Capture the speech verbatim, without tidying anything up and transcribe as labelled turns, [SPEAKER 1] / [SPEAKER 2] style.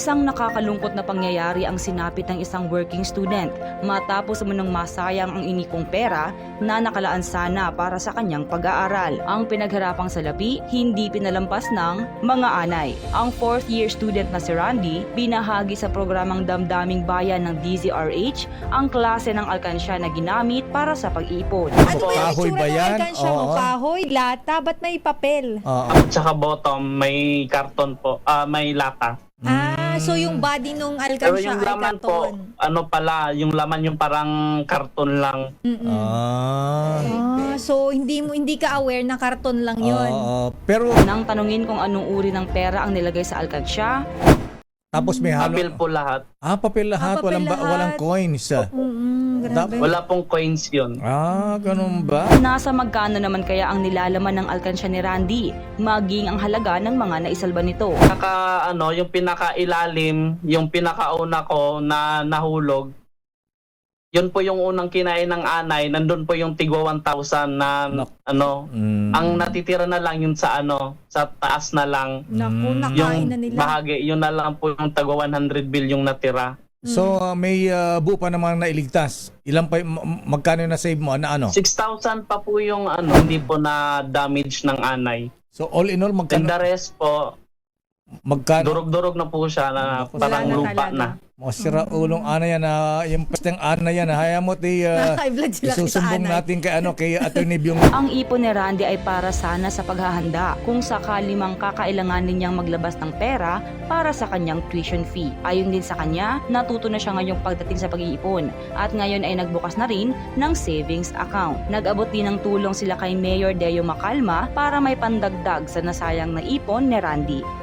[SPEAKER 1] Isang nakakalungkot na pangyayari ang sinapit ng isang working student matapos umunong masayang ang inikong pera na nakalaan sana para sa kanyang pag-aaral. Ang pinagharapang salapi, hindi pinalampas ng mga anay. Ang fourth year student na si Randy, binahagi sa programang Damdaming Bayan ng D Z R H ang klase ng alkansya na ginamit para sa pag-iipon.
[SPEAKER 2] Ano ba yung
[SPEAKER 3] Kahoy
[SPEAKER 2] itsura
[SPEAKER 3] ba
[SPEAKER 2] ng
[SPEAKER 3] yan?
[SPEAKER 2] alkansya mo?
[SPEAKER 3] Oo.
[SPEAKER 2] Kahoy, lata, ba't may papel?
[SPEAKER 3] Oo.
[SPEAKER 4] At saka bottom, may karton po, ah may lata.
[SPEAKER 2] Ah, so yung body nung
[SPEAKER 4] Pero
[SPEAKER 2] alkansya
[SPEAKER 4] yung
[SPEAKER 2] ay
[SPEAKER 4] laman po,
[SPEAKER 2] karton.
[SPEAKER 4] ano pala, yung laman yung parang karton lang.
[SPEAKER 2] Mm-mm.
[SPEAKER 3] Ah.
[SPEAKER 2] Ah, so hindi mo hindi ka aware na karton lang yun.
[SPEAKER 3] Oo. Pero
[SPEAKER 1] Nang tanungin kung anong uri ng pera ang nilagay sa alkansya,
[SPEAKER 3] tapos may halo.
[SPEAKER 4] Papel po lahat.
[SPEAKER 3] Ah, papel lahat.
[SPEAKER 2] Ah, papel
[SPEAKER 3] walang, ba-
[SPEAKER 2] lahat.
[SPEAKER 3] walang coins.
[SPEAKER 2] Mm-mm, grabe.
[SPEAKER 4] Wala pong coins yun.
[SPEAKER 3] Ah, ganun ba?
[SPEAKER 1] nasa magkano naman kaya ang nilalaman ng alkansya ni Randy, maging ang halaga ng mga naisalba nito.
[SPEAKER 4] Pinaka, ano, yung pinakailalim, yung pinakauna ko na nahulog, yun po yung unang kinain ng anay, nandun po yung tigwa one thousand na,
[SPEAKER 3] Nak-
[SPEAKER 4] ano,
[SPEAKER 3] Mm.
[SPEAKER 4] ang natitira na lang yun sa, ano, sa taas na lang.
[SPEAKER 2] Naku,
[SPEAKER 3] Mm.
[SPEAKER 2] nakain
[SPEAKER 4] Yung
[SPEAKER 2] na nila.
[SPEAKER 4] bahagi, yun na lang po yung tagwa one hundred bill yung natira.
[SPEAKER 3] So, uh, may uh, buo pa namang nailigtas. Ilan pa, y- ma- magkano na save mo? Na ano?
[SPEAKER 4] six thousand pa po yung, ano, hindi po na damage ng anay.
[SPEAKER 3] So, all in all,
[SPEAKER 4] And
[SPEAKER 3] magkano?
[SPEAKER 4] the rest po,
[SPEAKER 3] Magkano?
[SPEAKER 4] durog-durog na po siya na
[SPEAKER 3] Wala
[SPEAKER 4] parang
[SPEAKER 2] na
[SPEAKER 4] lupa
[SPEAKER 2] talaga.
[SPEAKER 4] na.
[SPEAKER 3] Masira ulong ana yan na yung pasteng ana yan. Haya mo ti uh,
[SPEAKER 2] High blood sila sa
[SPEAKER 3] isusumbong
[SPEAKER 2] anay.
[SPEAKER 3] natin kay ano kay Attorney Byung.
[SPEAKER 1] Ang ipon ni Randy ay para sana sa paghahanda kung sakali mang kakailanganin niyang maglabas ng pera para sa kanyang tuition fee. Ayon din sa kanya, natuto na siya ngayong pagdating sa pag-iipon at ngayon ay nagbukas na rin ng savings account. Nag-abot din ng tulong sila kay Mayor Deo Macalma para may pandagdag sa nasayang na ipon ni Randy.